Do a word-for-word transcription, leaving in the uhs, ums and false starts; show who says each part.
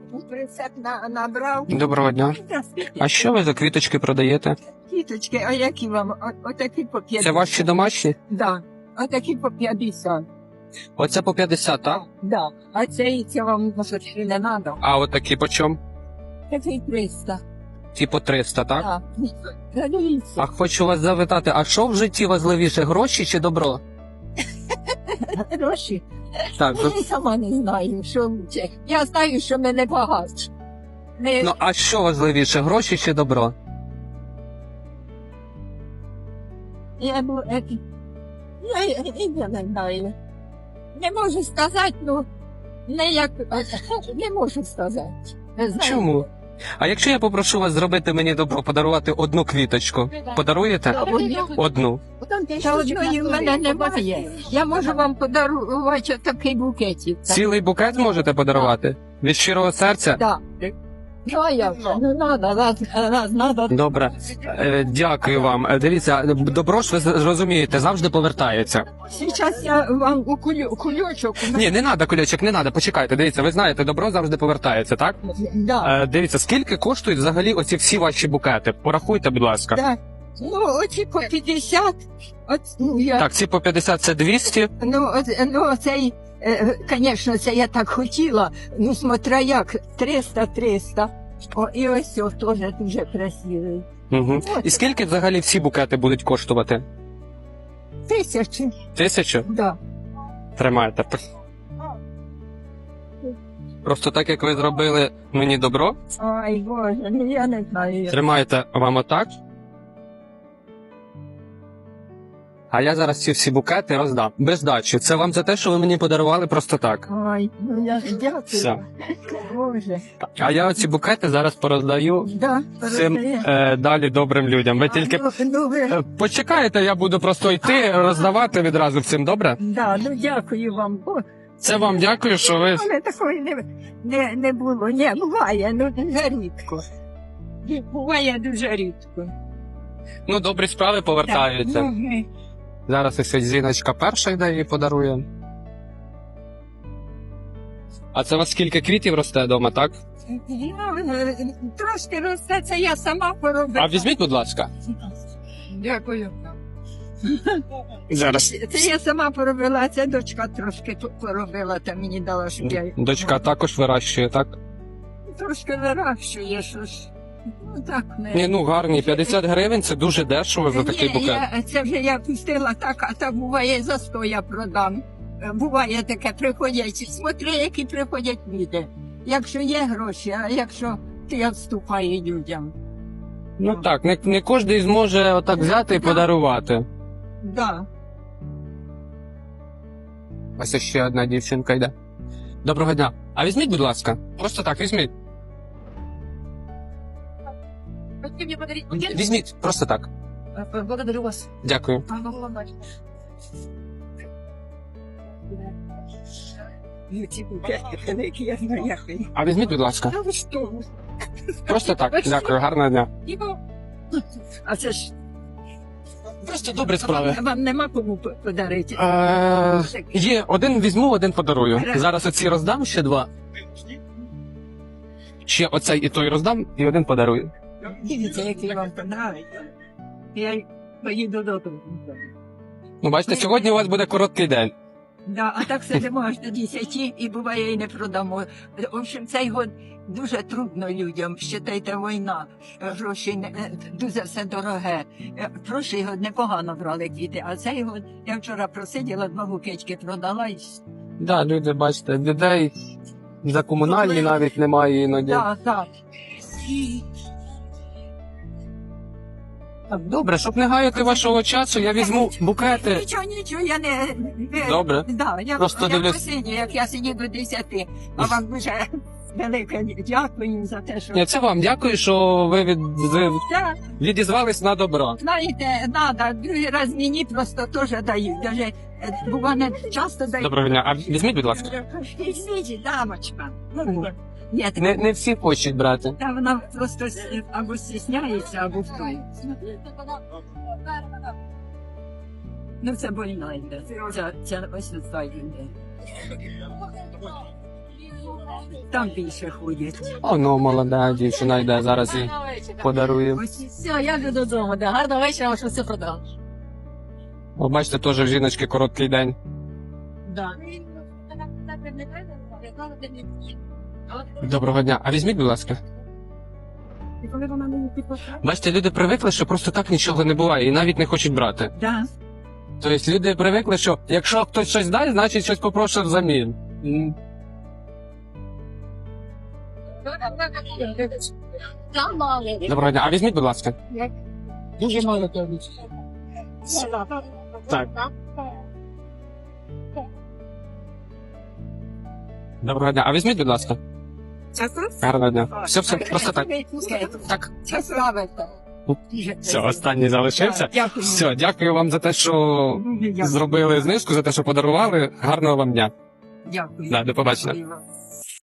Speaker 1: Прицеп на, набрав.
Speaker 2: Доброго дня. А що ви за квіточки продаєте?
Speaker 1: Квіточки, а які вам? О- Отакі по п'ятдесят.
Speaker 2: Це ваші домашні?
Speaker 1: Да. Отакі по п'ятдесят.
Speaker 2: Оце по п'ятдесят, так?
Speaker 1: Да. А це, це вам може, не треба.
Speaker 2: А от такі по чому?
Speaker 1: Такий триста.
Speaker 2: Ті по триста, так?
Speaker 1: Так. Дивіться.
Speaker 2: А хочу вас запитати, а що в житті важливіше, гроші чи добро?
Speaker 1: Гроші.
Speaker 2: Так,
Speaker 1: Я й сама не знаю, що лучше. Я знаю, що ми не багаті. Не...
Speaker 2: ну а що важливіше, гроші чи добро?
Speaker 1: Я, бу- е, я, я, я не знаю. Не можу сказати, ну, не як, не можу сказати. Не знаю.
Speaker 2: Чому? А якщо я попрошу вас зробити мені добро, подарувати одну квіточку, подаруєте?
Speaker 1: Одну?
Speaker 2: Одну.
Speaker 1: Та одної в мене немає. Я можу вам подарувати такий букетик.
Speaker 2: Цілий букет можете подарувати? Від щирого серця?
Speaker 1: Так. Ну, а як? Ну, надо, надо, надо, надо.
Speaker 2: Добре, Е, дякую вам. Е, Дивіться, добро ж ви зрозумієте, завжди повертається.
Speaker 1: Зараз я вам у кулю, кульочок.
Speaker 2: Ні, не треба, кульочок, не треба, почекайте. Дивіться, ви знаєте, добро завжди повертається, так?
Speaker 1: Да.
Speaker 2: Е, дивіться, скільки коштують взагалі оці всі ваші букети? Порахуйте, будь ласка.
Speaker 1: Да. Ну, оці по п'ятдесят. От, ну, я,
Speaker 2: Так, ці по п'ятдесят це двісті.
Speaker 1: ну, от, ну, цей, звісно, це я так хотіла. Ну, смотря як, триста триста. О, і ось о, теж дуже красивий.
Speaker 2: Угу. І скільки взагалі всі букети будуть коштувати?
Speaker 1: Тисячі.
Speaker 2: Тисячу?
Speaker 1: Да.
Speaker 2: Тримайте. Просто так, як ви зробили мені добро,
Speaker 1: Ой, Боже, ну я не знаю.
Speaker 2: тримайте вам отак. А я зараз ці всі букети роздам. Без дачі. Це вам за те, що ви мені подарували просто так.
Speaker 1: Ой, ну я дякую.
Speaker 2: Все.
Speaker 1: Боже.
Speaker 2: А я оці букети зараз пороздаю
Speaker 1: Да,
Speaker 2: цим
Speaker 1: роздає.
Speaker 2: е, далі добрим людям. Ви
Speaker 1: А,
Speaker 2: тільки
Speaker 1: ну, ну, ви...
Speaker 2: е, почекаєте, я буду просто йти, роздавати відразу всім, добре?
Speaker 1: Да, ну дякую вам. Бо
Speaker 2: Це вам дякую, що ви...
Speaker 1: у мене такої не, не, не було. Ні, буває, ну дуже рідко. Буває дуже рідко.
Speaker 2: Ну, добрі справи повертаються.
Speaker 1: Так, ну, ми-
Speaker 2: Зараз ось Зіночка перша йде і подарує. А це у вас скільки квітів росте вдома, так?
Speaker 1: Ну, е, трошки росте, це я сама поробила.
Speaker 2: А візьміть, будь ласка.
Speaker 1: Дякую.
Speaker 2: Зараз.
Speaker 1: Це я сама поробила, а це дочка трошки тут поробила, та мені дала, щоб я...
Speaker 2: Дочка також вирощує, так?
Speaker 1: Трошки вирощує, що ж. Ну так не...
Speaker 2: Ні, ну гарні, п'ятдесят гривень це дуже дешево за такий
Speaker 1: Ні,
Speaker 2: букет.
Speaker 1: я, це вже я пустила так, а так буває за сто я продам. Е, Буває таке, приходять, смотри, які приходять люди. Якщо є гроші, а якщо ти відступає людям.
Speaker 2: Ну так, не, не кожен зможе отак взяти і
Speaker 1: Да.
Speaker 2: подарувати.
Speaker 1: Да.
Speaker 2: Ось ще одна дівчинка йде. Доброго дня. А візьміть, будь ласка. Просто так, візьміть.
Speaker 1: Хотите мне подарить
Speaker 2: Візьміть, просто так.
Speaker 1: Благодарю вас.
Speaker 2: Дякую.
Speaker 1: Ну, ці букети великі, я знаю, як вони.
Speaker 2: А візьміть, будь ласка.
Speaker 1: Та ви що?
Speaker 2: Просто так. Дякую, гарного дня.
Speaker 1: А це ж
Speaker 2: Просто добрі справи.
Speaker 1: вам, вам нема кому п- подарити.
Speaker 2: Е, є, один візьму, один подарую.
Speaker 1: Гаразд.
Speaker 2: Зараз оці роздам ще два. Ще оцей і той роздам, і один подарую.
Speaker 1: Дивіться, який вам подобається. Я й поїду додому.
Speaker 2: Ну, бачите, сьогодні у вас буде короткий день.
Speaker 1: Да, а так сидимо аж до десяти і буває і не продамо. В общем, цей год дуже трудно людям. Считайте, війна, гроші не, е, дуже все дороге. Е, Прошлий год непогано брали квіти, а цей год я вчора просиділа, два букетики продала і
Speaker 2: Да, люди, бачите, людей за комунальні навіть немає іноді.
Speaker 1: так, так.
Speaker 2: Так, добре, щоб не гаяти вашого часу, я візьму букети.
Speaker 1: Нічого, нічого, я не... не-
Speaker 2: Добре.
Speaker 1: Да, я,
Speaker 2: Просто
Speaker 1: я
Speaker 2: дивлюсь-
Speaker 1: посидю, як я сидю до десяти, а вам дуже велике дякую за те, що...
Speaker 2: Ні, це вам дякую, що ви від... ви
Speaker 1: Так.
Speaker 2: відізвались на добро.
Speaker 1: Знаєте, надо, другий раз мені просто теж дають. Даже е, буває часто дають.
Speaker 2: Доброго дня. А візьміть, будь ласка.
Speaker 1: Візьміть, дамочка. Ну, ні, так,
Speaker 2: Не, не всі хочуть брати.
Speaker 1: та вона просто с- або стісняється, або хто. Ну, це больно йде. Це, це ось не йде. Там більше ходять.
Speaker 2: О, ну, молода дівчина йде, зараз їй подарує.
Speaker 1: Ось
Speaker 3: Все, я йду додому. Да. Гарного вечора, вам що все продав.
Speaker 2: О, бачите, теж в жіночки короткий день.
Speaker 3: Да.
Speaker 2: Доброго дня. А візьміть, будь ласка. Бачите, люди привикли, що просто так нічого не буває і навіть не хочуть брати.
Speaker 1: да.
Speaker 2: Тобто люди привикли, що якщо хтось щось дасть, значить щось попроще взамін. М.
Speaker 3: Там мало.
Speaker 2: Доброго дня. А візьміть, будь ласка.
Speaker 3: Дуже мало тобі.
Speaker 2: Так. Доброго дня. А візьміть, будь ласка. Гарного дня. Все, все, просто так. Так.
Speaker 1: Це славиться.
Speaker 2: Все, останній залишився.
Speaker 1: Дякую.
Speaker 2: Все, дякую вам за те, що
Speaker 1: Дякую.
Speaker 2: зробили знижку, за те, що подарували. Гарного вам дня.
Speaker 1: Дякую.
Speaker 2: Да, до побачення.
Speaker 1: Дякую вам.